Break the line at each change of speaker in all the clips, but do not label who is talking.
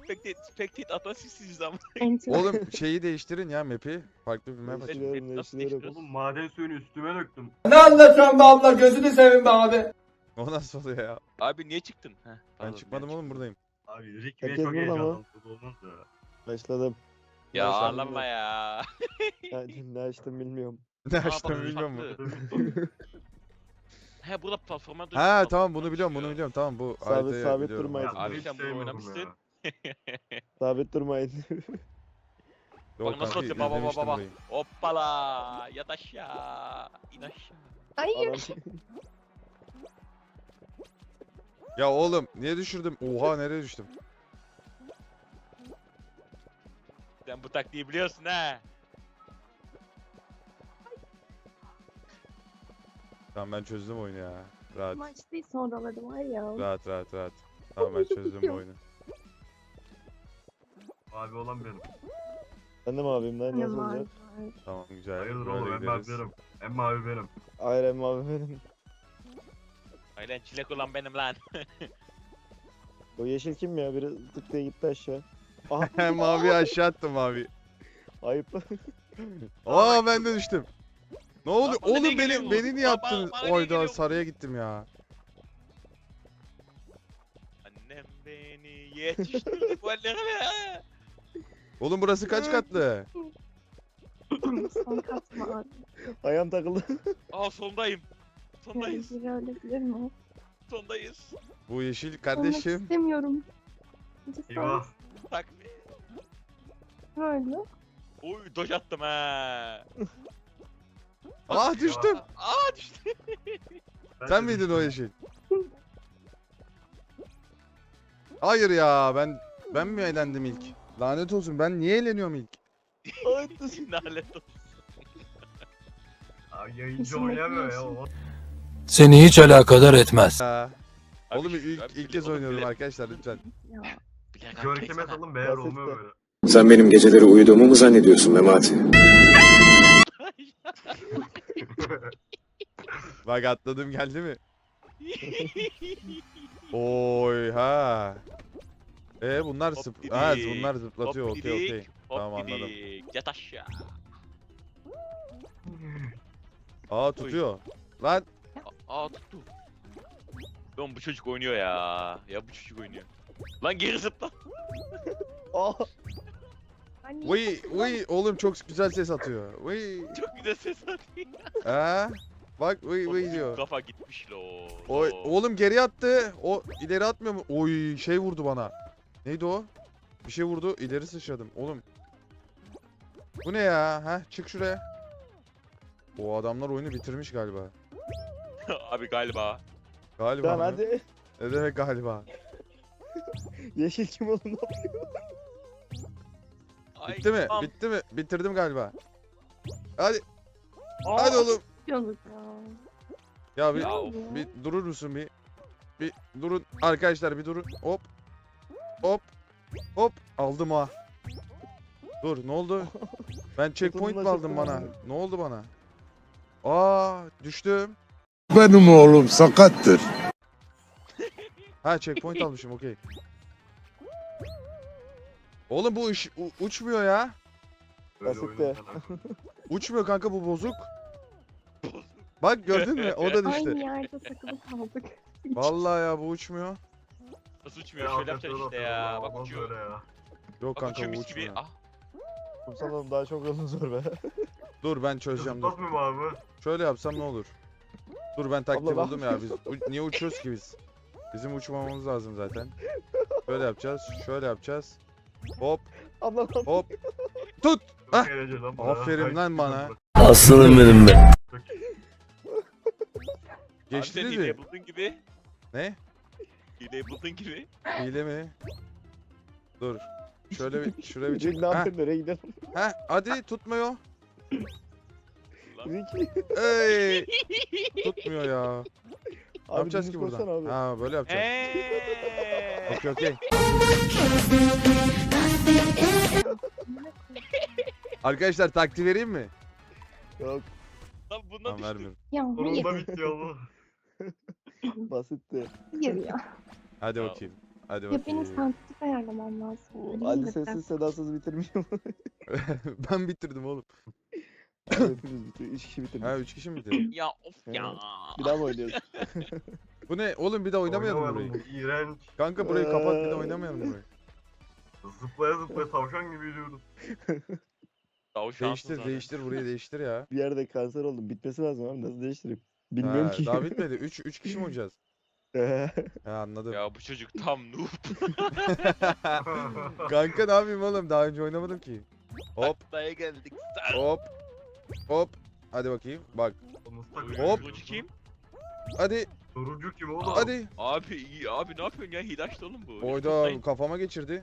Spectate atan sizsiniz ama.
Enter.
Oğlum şeyi değiştirin ya map'i. Farklı bir map açın.
Değiştiriyorum,
Nasıl
değiştiriyorum.
Oğlum maden suyunu üstüme döktüm.
Ne anlatıyorsun be abla, gözünü seveyim be abi.
O nasıl oluyor ya?
Abi niye çıktın? Heh,
Ben
pardon,
çıkmadım
niye
oğlum, buradayım.
Abi Rick'e
Herkes
çok
burada mı?
heyecanlandı. Olmaz ya.
Başladım.
çıktın? Ya
Başladım
ağlama ya.
Ne açtım bilmiyorum.
Ne
Aa, bak,
açtım bilmiyorum mu?
farklı. He burada platforma dur.
Ha tamam, bunu biliyorum, bunu biliyorum. Tamam, bu
Sabit-
haritayı
sabit
biliyorum.
durmayın.
Ya
Abi
hiç
sen bunu
sevmiyorum
oynamışsın.
ya.
Sabit durmayın.
Yok
Bak nasıl
kanka,
atıyor, baba
izlemiştim
baba.
burayı.
Hoppala. Yat aşağı. İn aşağı.
Hayır.
Ya oğlum niye düşürdüm? Oha, nereye düştüm?
Sen bu taktiği biliyorsun ha.
Tamam, ben çözdüm oyunu ya. Rahat,
Maç değil sonraları var ya.
rahat, rahat, rahat. Tamam, ben çözdüm bu oyunu.
Abi olan benim.
Ben de mi abim lan, nasıl
Ne var?
olacak?
Tamam, güzel.
Hayırdır
Böyle
oğlum, Emmi abi
gideriz.
benim. Emmi abi benim.
Hayır Emre abi benim.
Aynen çilek olan benim lan.
O yeşil kim ya? Biri tık diye gitti aşağı. Aha.
Mavi aşağı attım, mavi.
Ayıp.
Aa, ben de düştüm. Ne oldu?
Lan bana ne
Oğlum
geliyor bu?
beni niye
Bana-
attınız?
bana ne
Oyda
geliyor bu?
sarıya gittim ya.
Annem beni yetiştirdi bu hallere.
Oğlum burası kaç katlı?
Son katma abi.
Ayağım takıldı.
Aa sondayım. Sondayız.
Biri ölebilir mi?
Sondayız.
Bu yeşil
Olmak
kardeşim.
istemiyorum.
Eyvah.
Tak.
Böyle.
Oy doj attım ha.
Aa, düştüm.
Aa düştü.
Ben
Sen
de
miydin o
düştüm.
yeşil? Hayır ya, ben mi eğlendim ilk? Lanet olsun, ben niye eğleniyorum ilk?
Lanet olsun.
Abi yayıncı
Düşünmek
oynayamıyor ya.
biliyorsun.
o.
Seni hiç alakadar etmez.
Ya.
Abi
Oğlum
şu-
ilk,
abi
ilk
bile-
kez
oğlum
oynuyorum
bile-
arkadaşlar, lütfen.
Ya.
bile-
Görkem'e
baksana.
salın beyler,
Basit
olmuyor
de.
böyle.
Sen benim geceleri uyuduğumu mu zannediyorsun Memati?
Bak atladım, geldi mi? Oy ha. Bunlar
Hop
zıp
didik,
bunlar zıplatıyor.
Hop
Okey okey.
didik, hop
Tamam, anladım.
didik. Yat aşağı.
Aa, tutuyor. Lan
Aa tuttu. Lan bu çocuk oynuyor ya. Ya bu çocuk oynuyor. Lan geri zıpla.
Aa.
Anne.
vıy oğlum çok güzel ses atıyor. Vıy.
Çok güzel ses atıyor.
Ha? Bak vıy
Oğlum,
diyor.
Kafa gitmiş lo.
Oy, oğlum geri attı. O ileri atmıyor mu? Oy, şey vurdu bana. Neydi o? Bir şey vurdu, ileri sıçradım. Oğlum. Bu ne ya? Çık şuraya. O adamlar oyunu bitirmiş galiba.
Abi galiba.
Galiba
Tamam
mı?
hadi.
Ne demek galiba?
Yeşil kim oğlum?
Ay,
Bitti mi?
tamam.
Bitti mi? Bitirdim galiba. Hadi.
Aa,
Hadi oğlum.
Yapıyorduk ya.
Ya bir,
Ya of.
bir durur musun bir? Bir durun arkadaşlar, bir durun. Hop. Hop. Hop. Aldım ha. Dur, ne oldu? Ben checkpoint mi aldım bana? Ne oldu bana? Aa, düştüm.
Benim oğlum sakattır.
Checkpoint almışım, okey. Oğlum bu uçmuyor ya.
Böyle
Basit
oyunun
de.
sana.
Uçmuyor kanka, bu bozuk. Bak gördün mü? O da
Aynı
düştü.
yerde takılıp kaldık.
Vallahi ya, bu uçmuyor.
Nasıl uçmuyor? Şöyle yapacaksın işte ya. Bak
Olmaz
uçuyor.
böyle ya.
Yok
Bak
kanka,
uçuyor
bu
mis gibi.
uçmuyor.
Ah.
Kumsal oğlum daha çok yolun zor be.
Dur ben çözeceğim, dur.
Zıplatmıyor mu abi?
Şöyle yapsam ne olur? Dur, ben taktik
Abla,
buldum ya. Biz niye uçuyoruz ki biz? Bizim uçmamamız lazım zaten. Şöyle yapacağız, şöyle yapacağız. Hop,
Abla lan.
hop. Tut!
Çok
Hah.
eğlenceli lan bu.
Aferin lan bana.
Aslanım benim be.
Abi sen
Geçtiniz mi?
hileyi buldun gibi.
Ne?
Hileyi buldun gibi.
Hile mi? Dur. Şöyle bir, şuraya bir
Rick
çek.
ne
Heh,
yapıyorsun, nereye gidelim?
hadi tutmuyor.
Rick.
Ey! Tutmuyor ya. Ne
Abi
yapacağız
dümdüz
ki buradan?
koşsana abi.
Böyle yapacağız. Okey okey. Arkadaşlar taktiği vereyim mi?
Yok,
Lan bundan
Tamam,
düştüm.
vermiyorum.
Ya hayır.
Sonunda bitti ya bu.
basitti.
Hayır ya.
Hadi
Ya.
bakayım. Hadi
Ya benim
bakayım.
sensitif ayarlamam lazım. Öyle
Ali
mi?
sessiz sedasız bitirmiş ama.
Ben bitirdim oğlum.
Hepimiz bitirdik. 3 kişi bitirdik.
Ha 3 kişi mi bitirdi?
Ya of ya.
Bir daha mı oynuyoruz?
Bu ne? Oğlum bir daha oynamayalım
Oynamayalım,
burayı.
bu iğrenç.
Kanka burayı kapat bir daha oynamayalım burayı.
Zıplaya zıplaya tavşan gibi yürüyoruz.
Tavşansın zaten.
Değiştir burayı değiştir ya.
Bir yerde kanser oldum. Bitmesi lazım abi. Nasıl değiştireyim? Bilmiyorum
Ha,
ki.
daha bitmedi. 3 kişi mi oynayacağız? Ha anladım.
Ya bu çocuk tam noob.
Kanka ne yapayım oğlum? Daha önce oynamadım ki. Hop
Taklaya geldik.
hop hop. Hadi bakayım. Bak. Hop.
Bu kim?
Hadi
Sorucu kim oğlum?
hadi.
Abi iyi abi ne yapıyorsun ya? Hidaş'ta oğlum bu.
Oyda kafama geçirdi.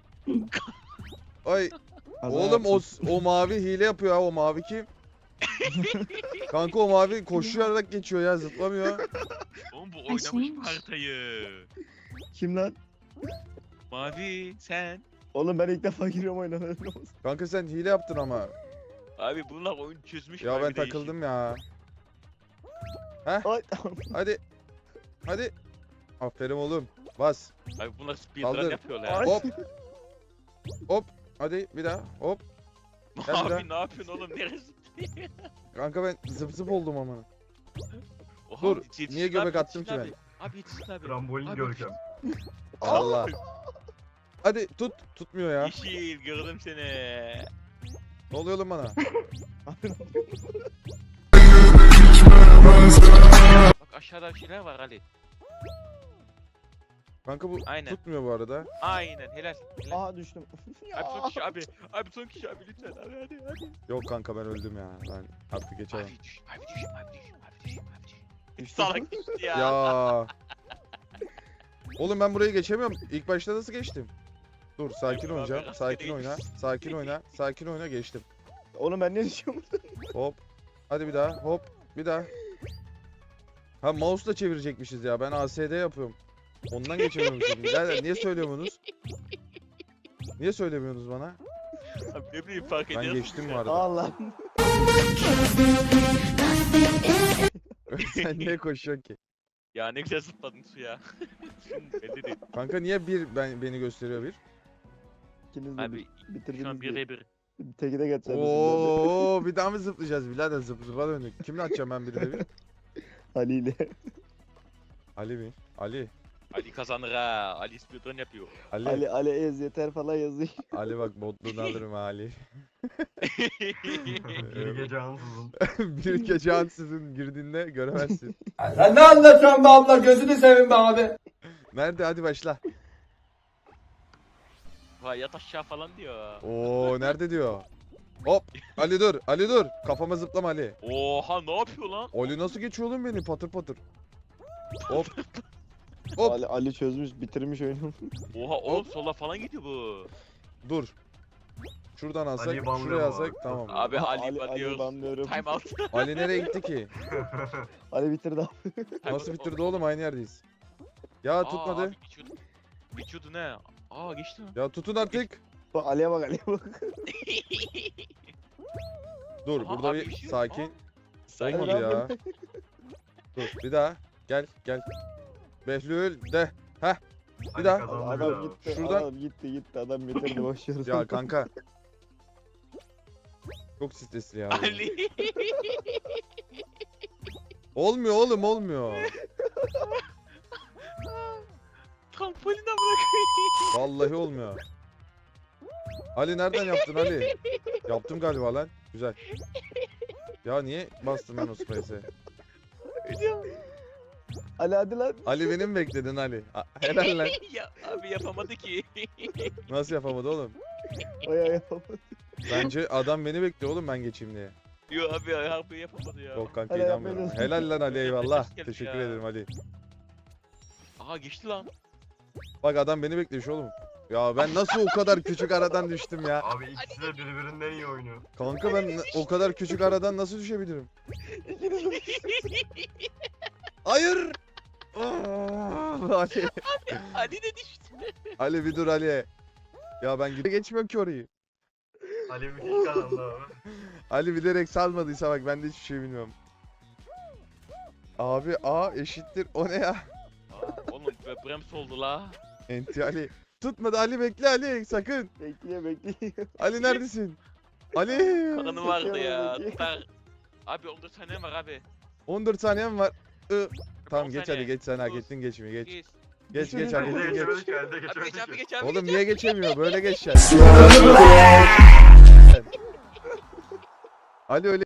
Ay
Kaza
oğlum
yaptım.
o mavi hile yapıyor ha, o mavi kim? Kanka o mavi koşarak geçiyor ya, zıplamıyor.
Oğlum bu
Ay,
oynamış
şeymiş.
bu haritayı.
Kim lan?
Mavi sen.
Oğlum ben ilk defa giriyorum oyuna. haberin olsun.
Kanka sen hile yaptın ama.
Abi bunlar oyun çözmüş.
Ya
mavi
ben
değişik.
takıldım ya.
Ay
Hadi. Hadi. Aferin oğlum. Bas.
Abi bunlar speedrun
Kaldır.
yapıyorlar ya.
Ay.
Hop. Hop. Hadi bir daha. Hop. Gel bir daha.
Abi ne yapıyorsun oğlum? Neresi?
Kanka ben zıp zıp oldum ama.
Oha,
Dur,
yetişsin
niye göbek
abi,
attım
yetişsin
ki
abi. Abi yetişsin abi.
Trambolin
Abi,
görkem.
Allah. Hadi tut. Tutmuyor ya.
Yeşil gördüm seni.
Ne oluyor oğlum bana?
Bak aşağıda bir şeyler var Ali.
Kanka bu
Aynen.
tutmuyor bu arada.
Aynen helal. Helal.
Aha düştüm.
Abi son kişi abi. Abi son kişi abi lütfen abi hadi.
Yok kanka ben öldüm ya. Ben artık geçemem.
Abi düş. Abi düş. Abi düş. Abi düş. Abi düş.
Düştüm.
Salak düştü ya.
Ya. Oğlum ben burayı geçemiyorum. İlk başta nasıl geçtim? Dur sakin
Abi,
oynayacağım.
abi,
Sakin
rastgele
oyna. Sakin oyna. Sakin oyna, geçtim.
Oğlum ben ne düşüyorum?
Hop. Hadi bir daha. Hop. Bir daha. Ha mouse'la çevirecekmişiz ya. Ben ASD yapıyorum. Ondan geçemiyormuşum. Birader niye söylüyorsunuz? Niye söylemiyorsunuz bana?
Abi ne bileyim fark
Ben
ediyorsun.
geçtim bu arada.
Allah.
Sen niye koşuyorsun ki?
Ya ne güzel zıpladın suya. Şimdi belli değil.
Kanka niye beni gösteriyor bir?
İkiniz de
Abi
bitirdiniz.
şu an 1'e 1.
Teki de geçeceğim.
Oo bir daha mı zıplayacağız birader, zıp zıpa döndük. Kimle atacağım ben biri de bir?
Ali ile.
Ali mi? Ali.
Ali kazanır ha. Ali speedrun yapıyor.
Ali.
Ali ez yeter falan yazıyor.
Ali bak botluğunu alırım ha Ali.
Bir gece ansızın.
Bir gece ansızın girdiğinde göremezsin.
Sen ne anlatıyorsun be abla, gözünü seveyim be abi.
Nerede, hadi başla.
Vay yat aşağı falan diyor.
Oo nerede diyor. Hop Ali dur, Ali dur. Kafama zıplama Ali.
Oha ne yapıyor lan?
Ali nasıl geçiyor oğlum beni patır patır. Hop. Hop.
Ali çözmüş, bitirmiş oyunu.
Oha oğlum sola falan gidiyor bu.
Dur. Şuradan alsak,
Ali'yi banlıyorum
şuraya
abi.
alsak tamam.
Abi Ali
Ali
banlıyoruz.
banlıyorum.
Time out.
Ali nereye gitti ki?
Ali bitirdi abi.
Time
Nasıl
out.
bitirdi oğlum, aynı yerdeyiz. Ya
Aa,
tutmadı.
Abi geçiyordu. Geçiyordu ne? Aa geçti mi?
Ya tutun artık.
Bak Ali'ye bak Ali'ye bak.
Dur
Aha,
burada
abi
bir
bir şey-
sakin.
Aa, sakin.
Olmadı ya. Dur bir daha. Gel gel. Behlül de.
Ali
daha.
kazandı
Adam
abi.
gitti.
Şuradan-
Adam gitti. Adam bitirdi. Boşuyoruz.
Ya kanka. Çok stresli ya.
Ali.
Olmuyor oğlum, olmuyor.
Trampoline bırak.
Vallahi olmuyor. Ali nereden yaptın Ali? Yaptım galiba lan. Güzel. Ya niye bastım ben o space'e?
Ali hadi lan.
Ali beni mi bekledin Ali? Helal lan.
Ya abi yapamadı ki.
Nasıl yapamadı oğlum?
Oya yapamadı.
Bence adam beni bekliyor oğlum ben geçeyim diye.
Yo abi harbi yapamadı ya.
Yok kanka
Hadi
inanmıyorum.
yapmayın.
Helal lan Ali, eyvallah.
Ses geldi
Teşekkür
ya.
ederim Ali.
Aha geçti lan.
Bak adam beni bekliyor oğlum. Ya ben nasıl o kadar küçük aradan düştüm ya?
Abi ikisi de birbirinden iyi oynuyor.
Kanka ben o kadar küçük aradan nasıl düşebilirim?
İkiniz de.
Hayır! Aa, Ali.
Ali de düştü.
Ali bir dur Ali. Ya ben geçmiyorum ki orayı.
Ali müthiş kazandı abi.
Ali bilerek salmadıysa bak ben de hiçbir şey bilmiyorum. Abi A eşittir o ne ya?
Aa, oğlum Brems oldu la.
Enti Ali. tutmadı. Ali bekle Ali sakın.
Bekliyor.
Ali neredesin? Ali.
Kanı vardı ya.
Peki.
Tutar. Abi 14 saniye var abi.
14 saniyem var. Tamam
10
geç
saniye.
hadi geç sen hak
Dokuz,
ettin geçmeyi geç.
8.
Geç hak
Elde
ettin geç.
geçemedik elde
Abi
geçemedik.
geç abi geç abi.
Oğlum
geç.
niye geçemiyor? Böyle geçeceksin. Ali öyle